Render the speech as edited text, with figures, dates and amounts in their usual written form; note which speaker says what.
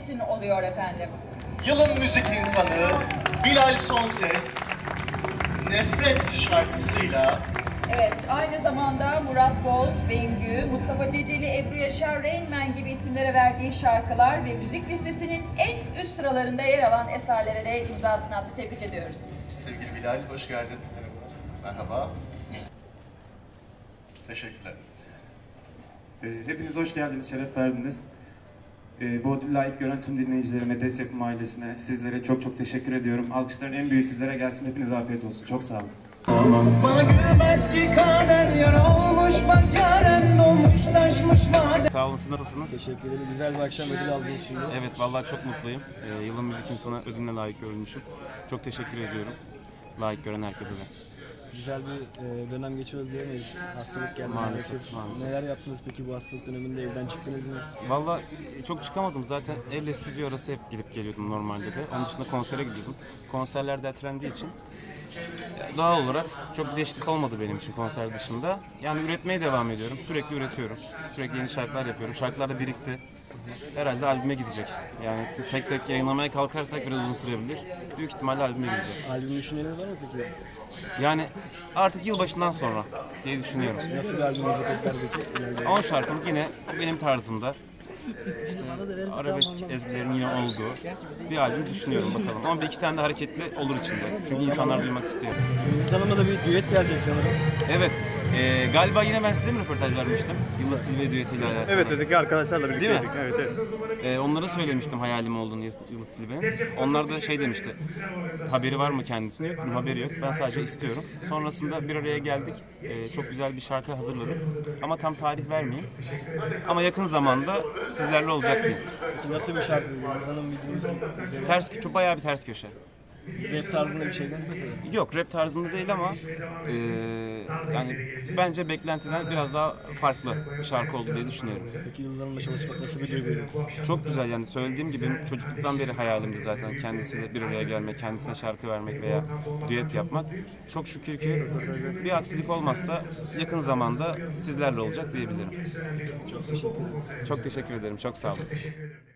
Speaker 1: gelsin oluyor efendim.
Speaker 2: Yılın müzik insanı Bilal Sonses, Nefret şarkısıyla
Speaker 1: Evet, aynı zamanda Murat Boz, Bengü, Mustafa Ceceli, Ebru Yaşar, Rain Man gibi isimlere verdiği şarkılar ve müzik listesinin en üst sıralarında yer alan eserlere de imzasını attı. Tebrik ediyoruz.
Speaker 2: sevgili Bilal, hoş geldin. Merhaba. Teşekkürler.
Speaker 3: Hepiniz hoş geldiniz, şeref verdiniz. Bu ödülü layık gören tüm dinleyicilerime, Des Yapım ailesine, sizlere çok çok teşekkür ediyorum. Alkışların en büyüğü sizlere gelsin. Hepinize afiyet olsun. Çok sağ olun.
Speaker 4: Bana gülmez ki kader, yara olmuş bak yaren dolmuş taşmış vade.
Speaker 5: Sağ olun, siz nasılsınız?
Speaker 6: Teşekkür ederim. Güzel bir akşam ödül aldınız şimdi.
Speaker 5: Evet, vallahi çok mutluyum. Yılın müzik insanı ödülüne layık görülmüşüm. Çok teşekkür ediyorum. Layık gören herkese de.
Speaker 6: Güzel bir dönem geçiriyoruz diyemeyiz. Hastalık geldi.
Speaker 5: Maalesef, maalesef.
Speaker 6: Neler yaptınız peki bu hastalık döneminde, evden çıktınız mı?
Speaker 5: Vallahi çok çıkamadım. Zaten evle stüdyo arası hep gidip geliyordum normalde de. Onun dışında konsere gidiyordum. Konserler de ertelendiği için doğal olarak çok bir değişiklik olmadı benim için konser dışında. Yani üretmeye devam ediyorum. Sürekli üretiyorum. Sürekli yeni şarkılar yapıyorum. Şarkılar da birikti. Herhalde albüme gidecek. Yani tek tek yayınlamaya kalkarsak biraz uzun sürebilir. Büyük ihtimalle albüme gidecek.
Speaker 6: Albüm düşünceleriniz var mı peki?
Speaker 5: Yani artık yılbaşından sonra diye düşünüyorum.
Speaker 6: Nasıl bir albümünüzü bekler peki?
Speaker 5: 10 şarkılık yine benim tarzımda. İşte arabesk ezgilerin yine olduğu bir albüm düşünüyorum bakalım. Ama bir iki tane de hareketli olur içinde. Çünkü insanlar duymak istiyor.
Speaker 6: Yıldız Hanım'la da bir düet gelecek sanırım.
Speaker 5: Evet. Galiba yine ben size mi röportaj vermiştim? Yıldız Tilbe düetiyle alakalı.
Speaker 7: Evet dedik arkadaşlarla
Speaker 5: Değil
Speaker 7: birlikteydik.
Speaker 5: mi?
Speaker 7: Evet, evet.
Speaker 5: Onlara söylemiştim hayalim olduğunu Yıldız Tilbe'nin. Onlar da şey demişti. Haberi var mı kendisine? Yok, haberi yok. Ben sadece istiyorum. Sonrasında bir araya geldik. Çok güzel bir şarkı hazırladım. Ama tam tarih vermeyeyim. Ama yakın zamanda sizlerle olacak diyeyim.
Speaker 6: Peki nasıl bir şarkı? Yıldız Hanım bildiğiniz
Speaker 5: Ters köşe, bayağı bir ters köşe.
Speaker 6: rap tarzında bir şeyden mi?
Speaker 5: Yok, rap tarzında değil ama yani bence beklentiden biraz daha farklı bir şarkı oldu diye düşünüyorum.
Speaker 6: Peki Yıldız Hanım'la çalışmak nasıl bir duygu?
Speaker 5: Çok güzel, yani söylediğim gibi benim çocukluktan beri hayalimdi zaten kendisiyle bir araya gelmek, kendisine şarkı vermek veya düet yapmak. Çok şükür ki bir aksilik olmazsa yakın zamanda sizlerle olacak diyebilirim. Çok teşekkür ederim. Çok sağ olun.